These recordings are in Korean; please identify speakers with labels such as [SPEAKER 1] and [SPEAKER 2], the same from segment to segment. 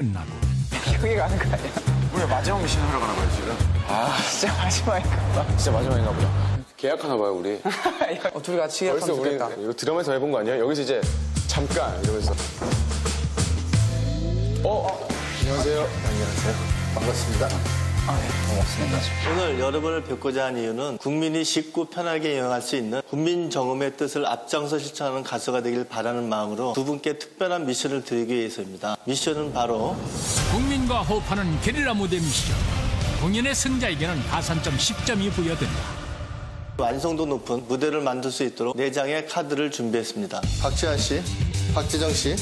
[SPEAKER 1] 끝나고
[SPEAKER 2] 여기 가는 거 아니야?
[SPEAKER 3] 우리 마지막 미션 하러 가는 거야 지금.
[SPEAKER 2] 아, 진짜 마지막인가 봐.
[SPEAKER 3] 진짜 마지막인가 보다. 계약하나 봐요 우리.
[SPEAKER 2] 둘이 같이
[SPEAKER 3] 벌써
[SPEAKER 2] 계약하면
[SPEAKER 3] 우리
[SPEAKER 2] 좋겠다.
[SPEAKER 3] 이거 드라마에서 해본 거 아니야? 여기서 이제 잠깐 이러면서. 안녕하세요. 안녕하세요. 반갑습니다.
[SPEAKER 2] 고맙습니다.
[SPEAKER 4] 오늘 여러분을 뵙고자 한 이유는 국민이 쉽고 편하게 여행할 수 있는 국민정음의 뜻을 앞장서 실천하는 가수가 되길 바라는 마음으로 두 분께 특별한 미션을 드리기 위해서입니다. 미션은 바로
[SPEAKER 1] 국민과 호흡하는 게릴라 무대 미션. 공연의 승자에게는 가산점 10점이 부여된다.
[SPEAKER 4] 완성도 높은 무대를 만들 수 있도록 4장의 카드를 준비했습니다. 박지한 씨, 박지정 씨,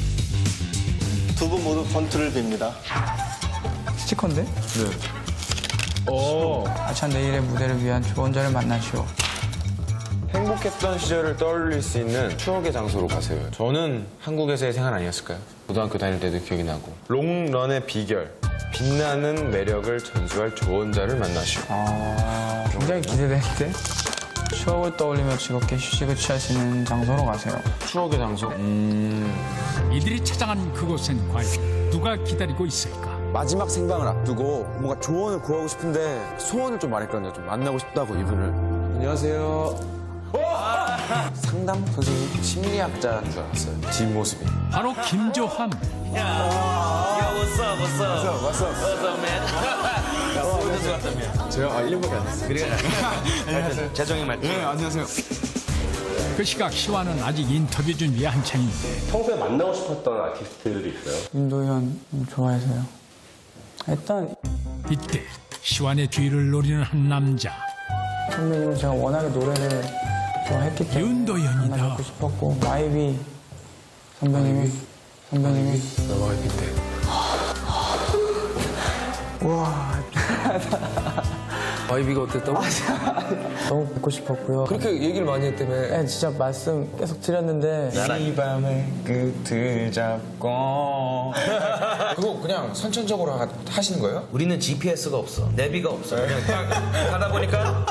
[SPEAKER 4] 두 분 모두 권투를 빕니다.
[SPEAKER 2] 스티커인데? 네. 아차 내일의 무대를 위한 좋은 자를 만나시오.
[SPEAKER 3] 행복했던 시절을 떠올릴 수 있는 추억의 장소로 가세요. 저는 한국에서의 생활 아니었을까요? 고등학교 다닐 때도 기억이 나고. 롱런의 비결. 빛나는 매력을 전수할 좋은 자를 만나시오.
[SPEAKER 2] 굉장히 기대되는데? 추억을 떠올리며 즐겁게 휴식을 취할 수 있는 장소로 가세요.
[SPEAKER 3] 추억의 장소?
[SPEAKER 1] 이들이 찾아간 그곳엔 과연 누가 기다리고 있을까?
[SPEAKER 5] 마지막 생방을 앞두고 뭔가 조언을 구하고 싶은데 소원을 좀 말했거든요. 좀 만나고 싶다고 이분을. 안녕하세요. 상담 선생님, 심리학자인 줄 알았어요. 뒷모습이.
[SPEAKER 1] 바로 김조함.
[SPEAKER 3] 제가 1년밖에 안 됐어요.
[SPEAKER 1] 그 시각 시와는 아직 인터뷰 준비에 한창인데
[SPEAKER 6] 평소에 만나고 싶었던 아티스트들이 있어요?
[SPEAKER 2] 윤도현 좋아해서요. 일단
[SPEAKER 1] 이때 시완의 뒤를 노리는 한 남자.
[SPEAKER 2] 선배님은 제가 워낙에 노래를 좋아했기 때문에
[SPEAKER 1] 윤도현이다.
[SPEAKER 2] 만나고 싶었고 마이비 선배님이
[SPEAKER 3] 너가 햇빛
[SPEAKER 5] 아이비가 어땠다고?
[SPEAKER 2] 너무 뵙고 싶었고요.
[SPEAKER 5] 그렇게 얘기를 많이 했다며.
[SPEAKER 2] 네, 진짜 말씀 계속 드렸는데
[SPEAKER 3] 이 밤의 끝을 잡고.
[SPEAKER 5] 그거 그냥 선천적으로 하시는 거예요?
[SPEAKER 7] 우리는 GPS가 없어. 내비가 없어. 그냥 딱 가다 보니까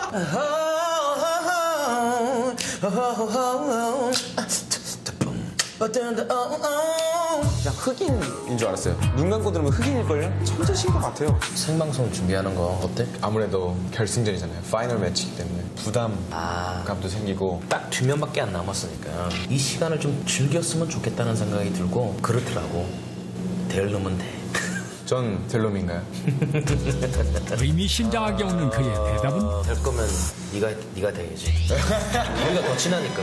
[SPEAKER 5] 그냥 흑인인 줄 알았어요. 눈 감고 들으면 흑인일걸요? 천재신 것 같아요.
[SPEAKER 7] 생방송 준비하는 거 어때?
[SPEAKER 3] 아무래도 결승전이잖아요. 파이널 매치이기 때문에 부담감도 생기고.
[SPEAKER 7] 딱 2명밖에 안 남았으니까 이 시간을 좀 즐겼으면 좋겠다는 생각이 들고 그렇더라고. 될 놈은 돼.
[SPEAKER 3] 전 델롬인가요?
[SPEAKER 1] 의미심장하게 오는 그의 대답은
[SPEAKER 7] 될 거면 네가 돼야지. 우리가 더 친하니까.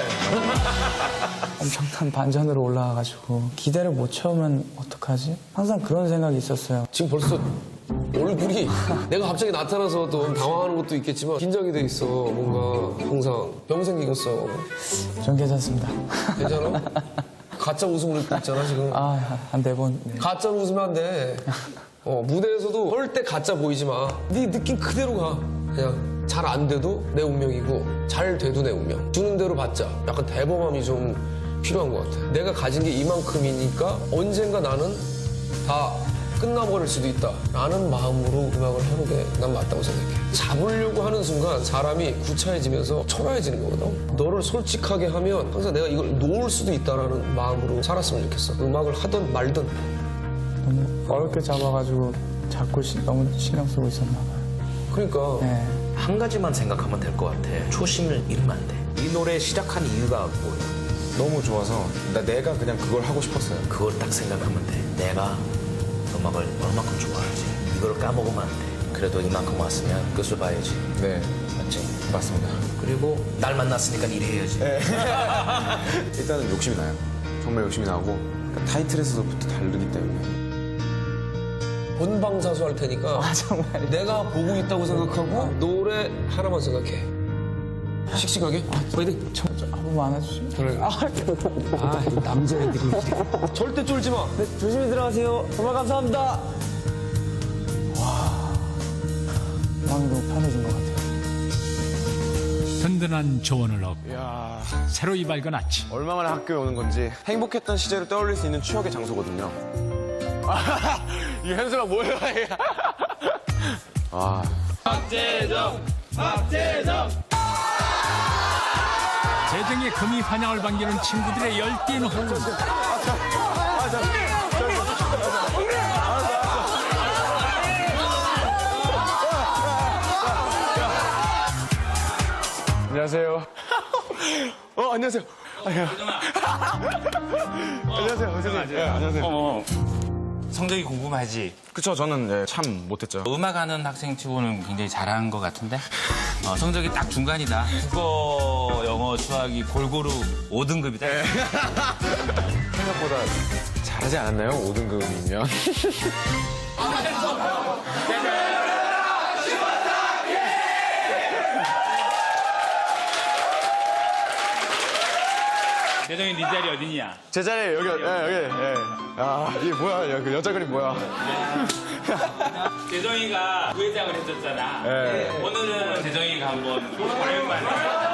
[SPEAKER 2] 엄청난 반전으로 올라와가지고 기대를 못 채우면 어떡하지? 항상 그런 생각이 있었어요.
[SPEAKER 8] 지금 벌써 얼굴이 내가 갑자기 나타나서 또 당황하는 것도 있겠지만 긴장이 돼 있어. 뭔가 항상 병 생기겠어.
[SPEAKER 2] 전 괜찮습니다.
[SPEAKER 8] 괜찮아? 가짜 웃음을 입고 있잖아 지금.
[SPEAKER 2] 한 4번. 네.
[SPEAKER 8] 가짜로 웃으면 안 돼. 무대에서도 절대 가짜 보이지 마. 네 느낌 그대로 가. 그냥 잘 안 돼도 내 운명이고 잘 돼도 내 운명. 주는 대로 받자. 약간 대범함이 좀 필요한 것 같아. 내가 가진 게 이만큼이니까 언젠가 나는 다 끝나버릴 수도 있다 라는 마음으로 음악을 하는 게 난 맞다고 생각해. 잡으려고 하는 순간 사람이 구차해지면서 초라해지는 거거든. 너를 솔직하게 하면 항상 내가 이걸 놓을 수도 있다라는 마음으로 살았으면 좋겠어. 음악을 하든 말든.
[SPEAKER 2] 너무 어렵게 잡아가지고 자꾸 너무 신경 쓰고 있었나 봐요.
[SPEAKER 8] 그러니까
[SPEAKER 2] 네.
[SPEAKER 7] 한 가지만 생각하면 될 것 같아. 초심을 잃으면 안 돼. 이 노래 시작한 이유가 뭐야?
[SPEAKER 3] 너무 좋아서 내가 그냥 그걸 하고 싶었어요.
[SPEAKER 7] 그걸 딱 생각하면 돼. 내가 음악을 얼마큼 좋아하지. 이걸 까먹으면 안 돼. 그래도 이만큼 왔으면 끝을 봐야지.
[SPEAKER 3] 네,
[SPEAKER 7] 맞지?
[SPEAKER 3] 맞습니다.
[SPEAKER 7] 그리고 날 만났으니까 일해야지.
[SPEAKER 3] 일단은 욕심이 나요. 정말 욕심이 나고 타이틀에서부터 다르기 때문에.
[SPEAKER 8] 본방사수 할 테니까
[SPEAKER 2] 정말.
[SPEAKER 8] 내가 보고 있다고 생각하고 노래 하나만 생각해. 씩씩하게. 파이팅.
[SPEAKER 2] 한 번만 안아주시면.
[SPEAKER 8] 그래.
[SPEAKER 5] 남자애들이.
[SPEAKER 8] 절대 쫄지 마.
[SPEAKER 2] 네, 조심히 들어가세요. 정말 감사합니다. 마음이 너무 편해진 것 같아요.
[SPEAKER 1] 든든한 조언을 얻고 새로이 밝은 아침.
[SPEAKER 3] 얼마만에 학교에 오는 건지 행복했던 시절을 떠올릴 수 있는 추억의 장소거든요. 이게 현수가 뭐예요?
[SPEAKER 1] 재정의 금이 환영을 반기는 친구들의 열띤 호흡.
[SPEAKER 3] 안녕하세요. 안녕하세요. 안녕하세요. 선생님. 네, 안녕하세요.
[SPEAKER 9] 성적이 궁금하지?
[SPEAKER 3] 그쵸, 저는 네, 참 못했죠.
[SPEAKER 9] 음악하는 학생 치고는 굉장히 잘한 것 같은데 성적이 딱 중간이다. 국어, 영어, 수학이 골고루 5등급이다.
[SPEAKER 3] 생각보다 잘하지 않았나요? 5등급이면.
[SPEAKER 9] 대정이 네 자리 어디냐?
[SPEAKER 3] 제 자리에 여기. 아, 이게 뭐야? 그 여자 그림 뭐야?
[SPEAKER 9] 대정이가 부회장을 해줬잖아. 오늘은 대정이가 한번 오랜만에.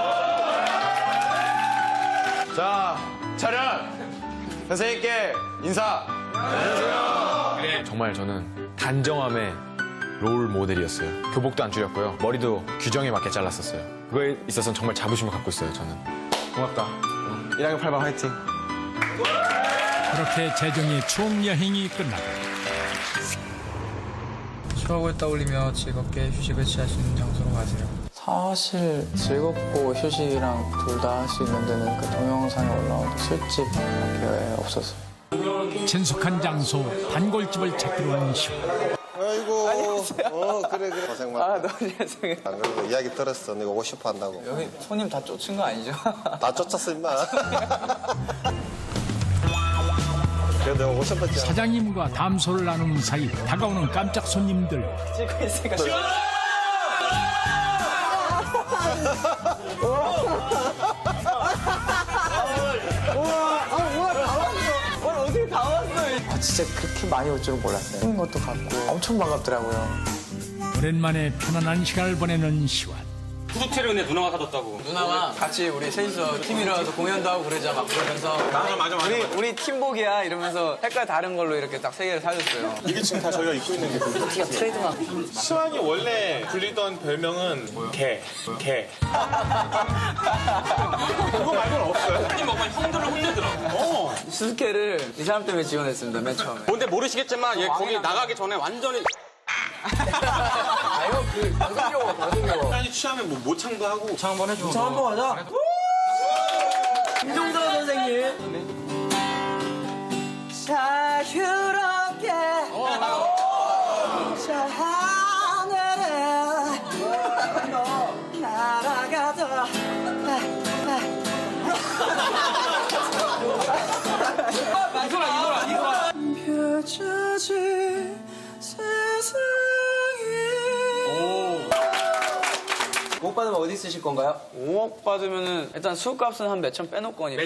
[SPEAKER 3] 자, 차렷! 선생님께 인사!
[SPEAKER 9] 그래.
[SPEAKER 3] 정말 저는 단정함의 롤 모델이었어요. 교복도 안 줄였고요. 머리도 규정에 맞게 잘랐었어요. 그거에 있어서는 정말 자부심을 갖고 있어요, 저는. 고맙다. 1학년 8반 화이팅!
[SPEAKER 1] 그렇게 재정의 추억 여행이 끝나고
[SPEAKER 2] 추억을 떠올리며 즐겁게 휴식을 취하시는 장소로 가세요. 사실 즐겁고 휴식이랑 둘 다 할 수 있는 데는 그 동영상에 올라온 술집밖에 없었어요.
[SPEAKER 1] 친숙한 장소 단골집을 찾기로 하는 시원.
[SPEAKER 10] 아이고. 그래. 고생 많다.
[SPEAKER 2] 너무 죄송해요.
[SPEAKER 10] 안 그래도 이야기 들었어. 네가 오고 싶어 한다고.
[SPEAKER 2] 여기 손님 다 쫓은 거 아니죠?
[SPEAKER 10] 나 쫓았어, 임마. 그래도 오고 싶었지.
[SPEAKER 1] 사장님과 담소를 나누는 사이 다가오는 깜짝 손님들.
[SPEAKER 2] 찍고 있으니까. 어떻게 다 왔어? 진짜 그렇게 많이 올 줄은 몰랐어요. 하는 것도 같고 엄청 반갑더라고요.
[SPEAKER 1] 오랜만에 편안한 시간을 보내는 시완.
[SPEAKER 9] 구두체를 근데 누나가 사줬다고.
[SPEAKER 2] 누나가 같이 우리 셋이서 팀이라서 공연도 하고 그러자 막 그러면서 맞아. 우리 팀복이야 이러면서 색깔 다른 걸로 이렇게 딱 세 개를 사줬어요.
[SPEAKER 6] 이게 지금 다 저희가 입고 있는 게
[SPEAKER 2] 티가 트레이드마크.
[SPEAKER 6] 시완이 원래 불리던 별명은 개. 그거 말고는 없어요.
[SPEAKER 9] 형님 먹으면 형들을 혼내더라고.
[SPEAKER 2] 수수께를 이 사람 때문에 지원했습니다 맨 처음에.
[SPEAKER 11] 근데 모르시겠지만 얘 거기 나가기 전에 완전히
[SPEAKER 2] 아유 그 방송용.
[SPEAKER 6] 시완이 취하면 뭐 모창도 하고.
[SPEAKER 2] 차 한번 해줘. 차 한번 가자. 김종서 선생님. 자유롭게 저 하늘에 날아가자. 이거라. 펼쳐진 세상에. 못 받으면 어디 쓰실 건가요? 5억 받으면은 일단 술값은 한 몇천 빼놓을 거니까.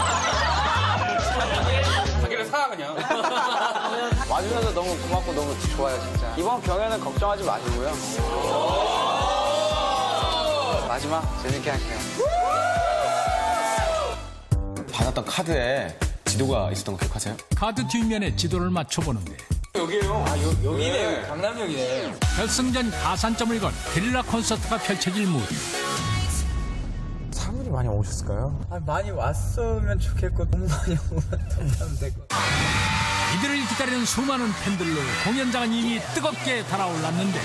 [SPEAKER 9] 자기를 사 그냥.
[SPEAKER 2] 와주셔서 너무 고맙고 너무 좋아요 진짜. 이번 경연은 걱정하지 마시고요. 마지막 재밌게 할게요.
[SPEAKER 3] 받았던 카드에 지도가 있었던 거 기억하세요?
[SPEAKER 1] 카드 뒷면에 지도를 맞춰보는데
[SPEAKER 2] 여기네. 강남역이네.
[SPEAKER 1] 결승전 가산점을 건 게릴라 콘서트가 펼쳐질 무대.
[SPEAKER 5] 사람들이 많이 오셨을까요?
[SPEAKER 2] 많이 왔으면 좋겠고 너무 많이 오면 더 될 것 같아요.
[SPEAKER 1] 이들을 기다리는 수많은 팬들로 공연장은 이미 뜨겁게 달아올랐는데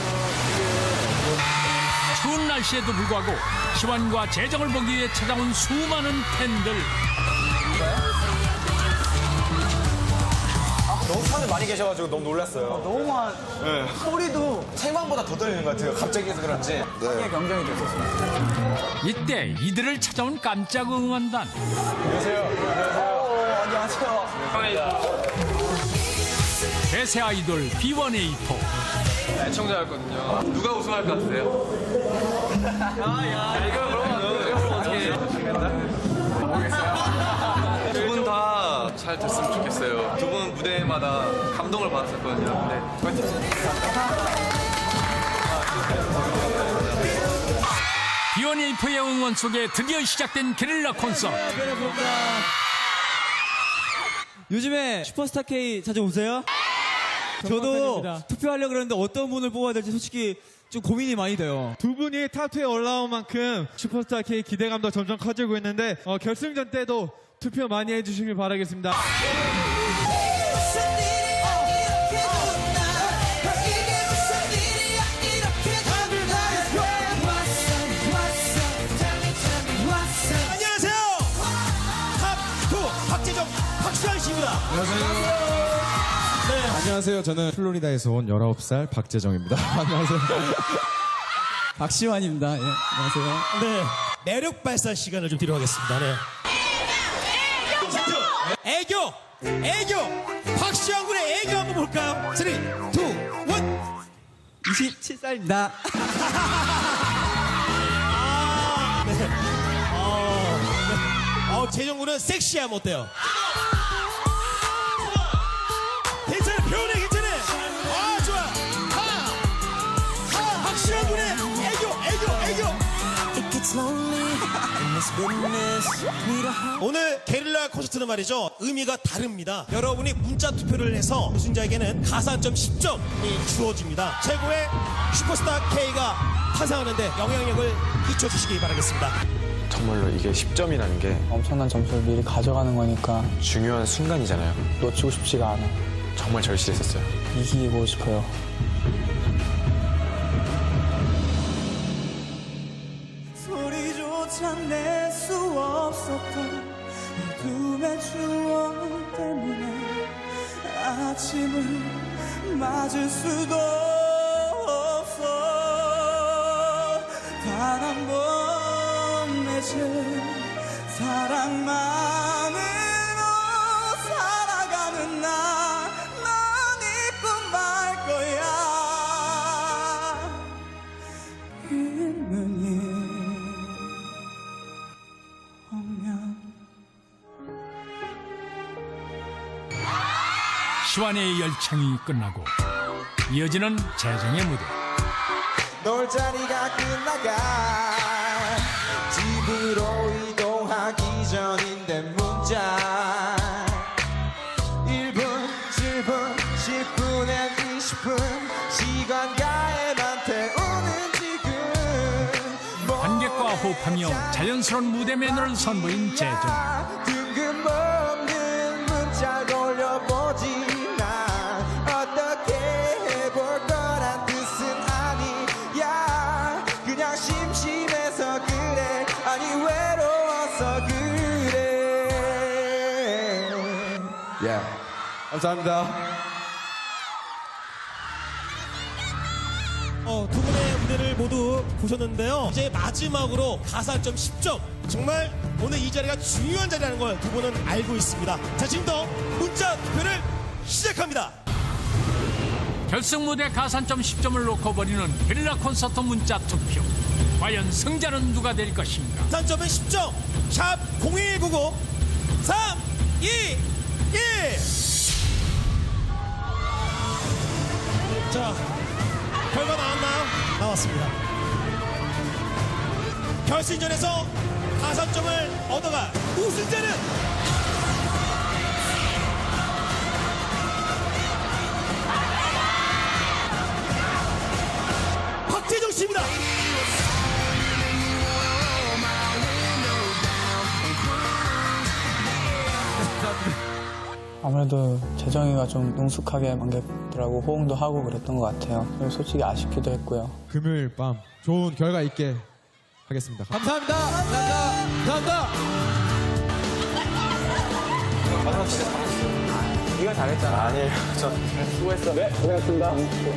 [SPEAKER 1] 추운 날씨에도 불구하고 시완과 재정을 보기 위해 찾아온 수많은 팬들.
[SPEAKER 3] 너무 사람들 많이 계셔가지고 너무 놀랐어요.
[SPEAKER 2] 너무 많. 소리도
[SPEAKER 3] 생방보다 더 떨리는 것 같아요. 갑자기 해서 그런지.
[SPEAKER 2] 크게 경쟁이 됐었어요.
[SPEAKER 1] 이때 이들을 찾아온 깜짝 응원단.
[SPEAKER 2] 안녕하세요.
[SPEAKER 1] 대세 아이돌 B1A4.
[SPEAKER 8] 애청자였거든요. 누가 우승할 것 같으세요? 이거 그러면 어떻게 해요? 두 분 다 잘 됐으면 좋겠어요. 두 분 무대마다 감동을 받았었거든요. 네, 파이팅!
[SPEAKER 1] B1A4의 응원 속에 드디어 시작된 게릴라 콘서트.
[SPEAKER 12] 요즘에 슈퍼스타 K 자주 오세요? 저도 투표하려고 그러는데 어떤 분을 뽑아야 될지 솔직히 좀 고민이 많이 돼요.
[SPEAKER 13] 두 분이 탑2에 올라온 만큼 슈퍼스타 K 기대감도 점점 커지고 있는데 결승전 때도 투표 많이 해주시길 바라겠습니다. 안녕하세요. 저는 플로리다에서 온 19살 박재정입니다. 안녕하세요.
[SPEAKER 12] 박시환입니다. 예, 안녕하세요.
[SPEAKER 14] 네, 매력 발산 시간을 좀 드리도록 하겠습니다. 네. 애교! 박시환 군의 애교 한번 볼까요? 3, 2, 1.
[SPEAKER 12] 27살입니다.
[SPEAKER 14] 재정 군은 섹시함 어때요? 괜찮아, 표현해, 괜찮아. 좋아. 박시환 군의 애교. 오늘 게릴라 콘서트는 말이죠, 의미가 다릅니다. 여러분이 문자 투표를 해서 우승자에게는 가산점 10점이 주어집니다. 최고의 슈퍼스타 K가 탄생하는데 영향력을 끼쳐주시기 바라겠습니다.
[SPEAKER 3] 정말로 이게 10점이라는 게
[SPEAKER 2] 엄청난 점수를 미리 가져가는 거니까
[SPEAKER 3] 중요한 순간이잖아요.
[SPEAKER 2] 놓치고 싶지가 않아.
[SPEAKER 3] 정말 절실했었어요.
[SPEAKER 2] 이기고 싶어요.
[SPEAKER 12] 소리조차 낼 수 없었던 어둠의 추억 때문에 아침을 맞을 수도 없어. 단 한 번 맺은 사랑만으로 살아가는 나, 넌 잊고 말 거야. 눈이 오면
[SPEAKER 1] 시완의 열창이 끝나고 이어지는 재정의 무대.
[SPEAKER 5] 놀자리가 끝나가 집으로 이동하기 전인데 문자 1분, 7분, 10분에 20분 시간가에만 태우는 지금
[SPEAKER 1] 관객과 호흡하며 자연스러운 무대 매너를 선보인 재정.
[SPEAKER 5] 뜬금없는 문자 돌려보지 난 어떻게 해볼 거란 뜻은 아니야. 그냥 심심해서 그래, 아니 외로워서 그래.
[SPEAKER 13] 감사합니다.
[SPEAKER 14] 두 분의 무대를 모두 보셨는데요. 이제 마지막으로 가산점 10점. 정말 오늘 이 자리가 중요한 자리라는 걸 두 분은 알고 있습니다. 자, 지금부터 문자 투표를 시작합니다.
[SPEAKER 1] 결승 무대 가산점 10점을 놓고 벌이는 게릴라 콘서트 문자 투표. 과연 승자는 누가 될 것인가?
[SPEAKER 14] 가산점은 10점. 샵 0199 3, 2, 1. 자, 결과 나왔나요? 나왔습니다. 결승전에서 가산점을 얻어갈 우승자는 박재정 씨입니다.
[SPEAKER 2] 아무래도 재정이가 좀 능숙하게 관객들하고 호응도 하고 그랬던 것 같아요. 그래서 솔직히 아쉽기도 했고요.
[SPEAKER 13] 금요일 밤 좋은 결과 있게 하겠습니다. 감사합니다. 감사합니다.
[SPEAKER 2] 네가 잘했잖아.
[SPEAKER 3] 아니에요. 저
[SPEAKER 2] 수고했어. 네, 고생했습니다.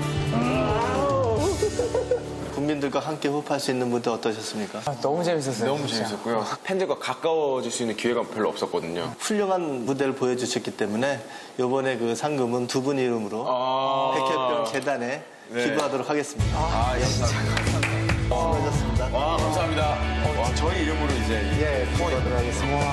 [SPEAKER 4] 국민들과 함께 호흡할 수 있는 무대 어떠셨습니까?
[SPEAKER 2] 너무 재밌었어요.
[SPEAKER 3] 너무 재밌었고요. 팬들과 가까워질 수 있는 기회가 별로 없었거든요.
[SPEAKER 4] 훌륭한 무대를 보여주셨기 때문에 이번에 그 상금은 두 분 이름으로 백혈병 재단에 기부하도록 하겠습니다. 수고하셨습니다.
[SPEAKER 3] 와, 감사합니다. 와, 저희 이름으로 이제.
[SPEAKER 4] 예, 기부하도록 하겠습니다.